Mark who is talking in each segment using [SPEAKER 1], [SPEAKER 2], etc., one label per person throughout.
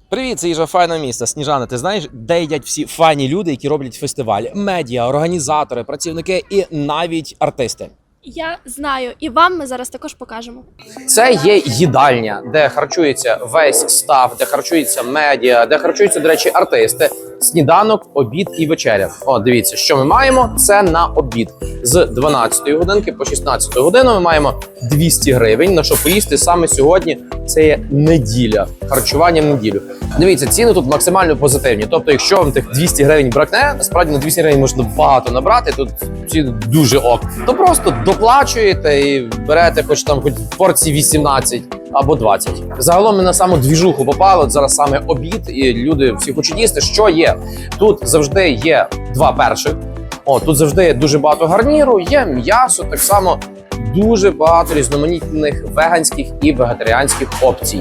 [SPEAKER 1] Привіт, це їжа файного міста. Сніжана, ти знаєш, де їдять всі файні люди, які роблять фестиваль? Медіа, організатори, працівники і навіть артисти.
[SPEAKER 2] Я знаю, і вам ми зараз також покажемо.
[SPEAKER 1] Це є їдальня, де харчується весь стаф, де харчується медіа, де харчуються, до речі, артисти. Сніданок, обід і вечеря. О, дивіться, що ми маємо. Це на обід. З 12 годинки по 16 годину ми маємо 200 гривень, на що поїсти саме сьогодні. Це є неділя, харчування в неділю. Дивіться, ціни тут максимально позитивні. Тобто, якщо вам тих 200 гривень бракне, насправді на 200 гривень можна багато набрати, тут ціни дуже ок. То просто доплачуєте і берете хоч порції 18 або 20. Загалом ми на саму двіжуху попали, от зараз саме обід, і люди всі хочуть їсти. Що є? Тут завжди є два перших. Тут завжди є дуже багато гарніру, є м'ясо, так само дуже багато різноманітних веганських і вегетаріанських опцій.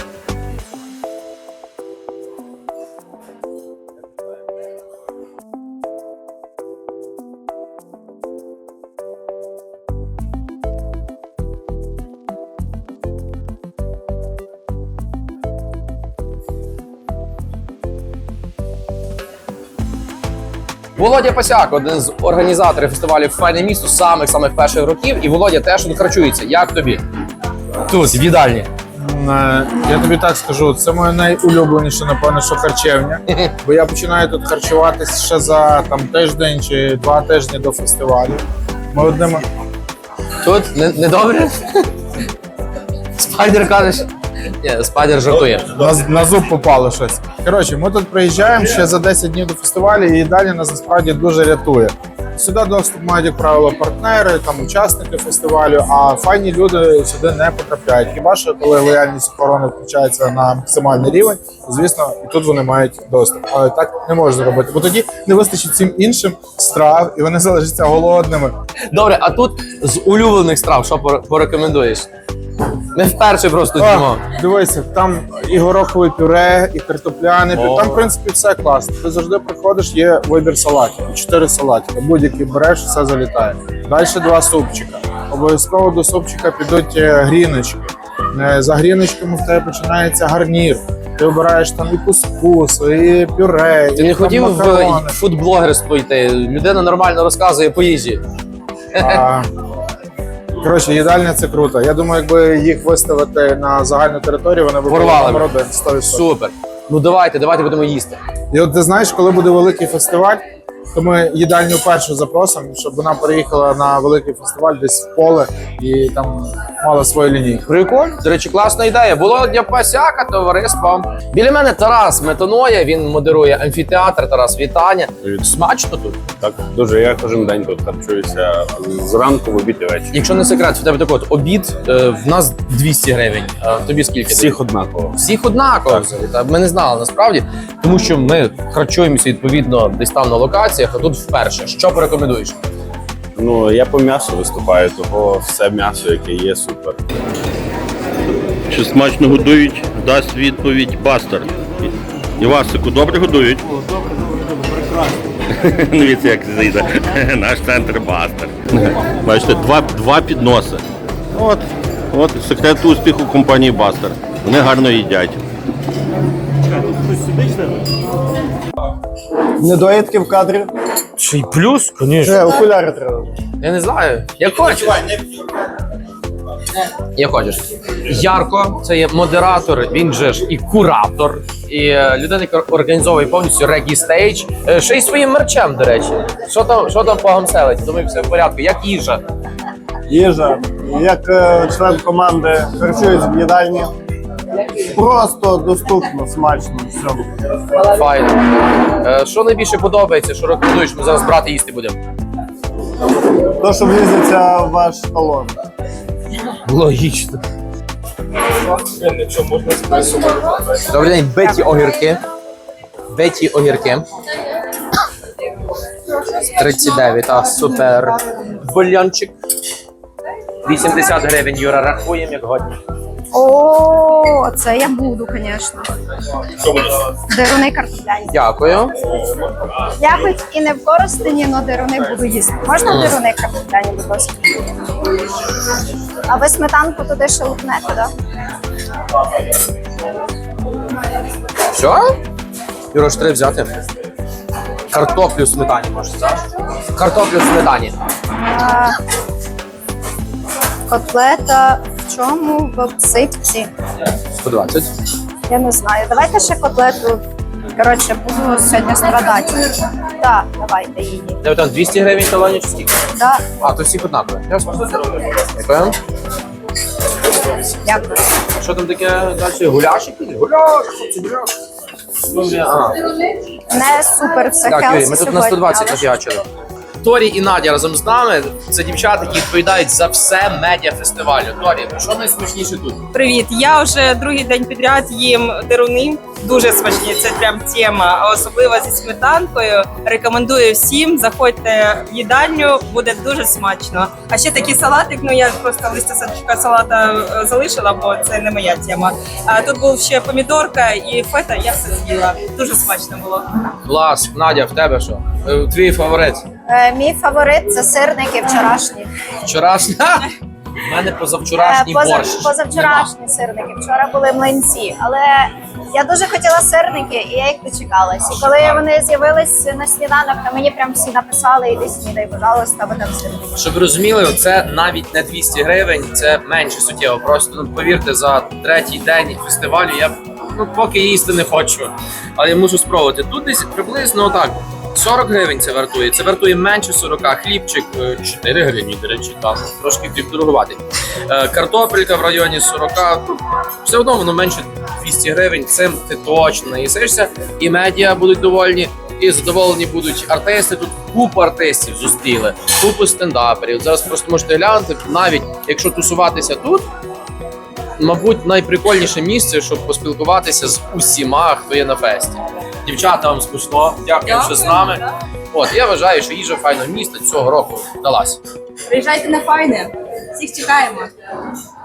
[SPEAKER 1] Володя Пасяк, один з організаторів фестивалю «Файне місто» самих перших років. І Володя теж тут харчується. Як тобі? Тут, в їдальні.
[SPEAKER 3] Я тобі так скажу, це моє найулюбленіше, напевно, що харчевня. Бо я починаю тут харчуватись ще за тиждень чи 2 тижні до фестивалю. Ми одним...
[SPEAKER 1] Тут не добре? Спайдер кажеш? Ні, Спайдер жартує.
[SPEAKER 3] На зуб попало щось. Коротше, ми тут приїжджаємо ще за 10 днів до фестивалю, і їдальня нас насправді дуже рятує. Сюди доступ мають, як правило, партнери, учасники фестивалю, а файні люди сюди не потрапляють. Хіба що, коли лояльність охорони включається на максимальний рівень, звісно, і тут вони мають доступ. Але так не можна робити, бо тоді не вистачить всім іншим страв, і вони залишаться голодними.
[SPEAKER 1] Добре, а тут з улюблених страв що порекомендуєш? Ми вперше просто їмо.
[SPEAKER 3] Дивися, там і горохове пюре, і картопляне пюре. Там, в принципі, все класно. Ти завжди приходиш, є вибір салатів. 4 салатики. Будь-який береш, все залітає. Далі 2 супчика. Обов'язково до супчика підуть гріночки. За гріночками в тебе починається гарнір. Ти обираєш там і кускус, і пюре,
[SPEAKER 1] Ти
[SPEAKER 3] і
[SPEAKER 1] не хотів
[SPEAKER 3] макарони.
[SPEAKER 1] в фудблогерство йти? Людина нормально розказує по їжі.
[SPEAKER 3] Коротше, їдальня – це круто. Я думаю, якби їх виставити на загальну територію, вони б були номер 1, 100%.
[SPEAKER 1] Супер. Ну давайте будемо їсти.
[SPEAKER 3] І от ти знаєш, коли буде великий фестиваль, то ми їдальню першу запросимо, щоб вона приїхала на великий фестиваль десь в поле і там мала свою лінійку.
[SPEAKER 1] Прикольно. До речі, класна ідея. Володя Пасяка, товариство. Біля мене Тарас Метоноя, він модерує амфітеатр. Тарас, вітання.
[SPEAKER 4] Привіт.
[SPEAKER 1] Смачно тут?
[SPEAKER 4] Так, дуже. Я кожен день тут харчуюся зранку, в обід і ввечері.
[SPEAKER 1] Якщо не секрет, в тебе такий от обід, в нас 200 гривень. А тобі скільки?
[SPEAKER 4] Всіх однаково.
[SPEAKER 1] Всіх однаково. Та ми не знали насправді, тому що ми харчуємося відповідно десь там на локаціях, а тут вперше. Що порекомендуєш?
[SPEAKER 4] Ну, я по м'ясу виступаю, того все м'ясо, яке є, супер.
[SPEAKER 5] Чи смачно годують, дасть відповідь Бастер. Івасику, добре годують? Добре, прекрасно. Дивіться, як зайде. Наш центр Бастер. Бачите, два підноси. От секрет успіху компанії Бастер. Вони гарно їдять.
[SPEAKER 6] Недоїдки в кадрі.
[SPEAKER 1] Чи й плюс?
[SPEAKER 6] Вже окуляри треба.
[SPEAKER 1] Я не знаю. Як хочеш. Як хочеш. Ярко, це є модератор, він же ж і куратор, і людина, яка організовує повністю регі стейдж, ще й своїм мерчем, до речі. Що там по гамселить? Думаю, все в порядку. Як їжа?
[SPEAKER 6] Їжа. Як член команди харчуюсь в їдальні. Просто доступно, смачно, все.
[SPEAKER 1] Файно. Що найбільше подобається, що рекомендуєш? Ми зараз брати їсти будемо.
[SPEAKER 6] То, що влізеться в ваш талон.
[SPEAKER 1] Логічно. Добрий день, биті огірки. Биті огірки. 39, супер. Бульйончик. 80 гривень, Юра, рахуємо, як годні.
[SPEAKER 7] О, це я буду, звісно. Деруни картопляні.
[SPEAKER 1] Дякую.
[SPEAKER 7] Я хоч і не в Коростені, але деруни буду їсти. Можна деруни картопляні, будь ласка? А ви сметанку туди ще лупнете, так?
[SPEAKER 1] Все? Юрош, треба взяти. Картоплю в сметані можеш, так? Картоплю в сметані.
[SPEAKER 7] Котлета в чому? В обсипці.
[SPEAKER 1] 120.
[SPEAKER 7] Я не знаю. Давайте ще котлету. Коротше, буду сьогодні страдати. Так, давайте її.
[SPEAKER 1] Де там 200 гривень талоні чи скільки?
[SPEAKER 7] Так,
[SPEAKER 1] А, то всіх однаково. Ясно. Дякую.
[SPEAKER 7] дякую.
[SPEAKER 1] Що там таке далі? Гуляш якийсь? Гуляш! Ага.
[SPEAKER 7] Не супер все
[SPEAKER 1] Так,
[SPEAKER 7] хелсі
[SPEAKER 1] Юрій, ми тут на
[SPEAKER 7] сьогодні,
[SPEAKER 1] 120
[SPEAKER 7] але
[SPEAKER 1] нафігачили. Торі і Надя разом з нами. Це дівчата, які відповідають за все медіафестивалю. Торі, що найсмачніше тут?
[SPEAKER 8] Привіт! Я вже другий день підряд їм деруни. Дуже смачні, це прям тема. А особливо зі сметанкою. Рекомендую всім. Заходьте в їдальню, буде дуже смачно. А ще такий салатик. Ну я просто листя салата залишила, бо це не моя тема. А тут був ще помідорка і фета. Я все з'їла. Дуже смачно було.
[SPEAKER 1] Клас, Надя, в тебе що? Твій фаворит?
[SPEAKER 7] Мій фаворит це сирники вчорашні.
[SPEAKER 1] Вчорашній? У мене позавчорашній борщ.
[SPEAKER 7] Позавчорашні сирники. Вчора були млинці, але я дуже хотіла сирники, і я їх дочекалась. І коли вони з'явились на сніданок, то мені прям всі написали: іди снідай, пожалуйста, бо там сирники.
[SPEAKER 1] Щоб ви розуміли, це навіть не 200 гривень, це менше суттєво. Просто ну, повірте, за третій день фестивалю я поки їсти не хочу. Але я мушу спробувати. Тут десь приблизно отак. 40 гривень це вартує. Це вартує менше 40. Хлібчик 4 гривні, до речі, там трошки хліб дорогуватий. Картопелька в районі 40. Все одно воно менше 200 гривень. Цим ти точно наїсишся. І медіа будуть довольні, і задоволені будуть артисти. Тут купу артистів зустріли, купу стендаперів. Зараз просто можете глянути, навіть якщо тусуватися тут, мабуть, найприкольніше місце, щоб поспілкуватися з усіма, хто є на фесті. Дівчата, вам смачно. Дякую, що з нами. От, я вважаю, що їжа файного міста цього року вдалася.
[SPEAKER 8] Приїжджайте на файне. Всіх чекаємо.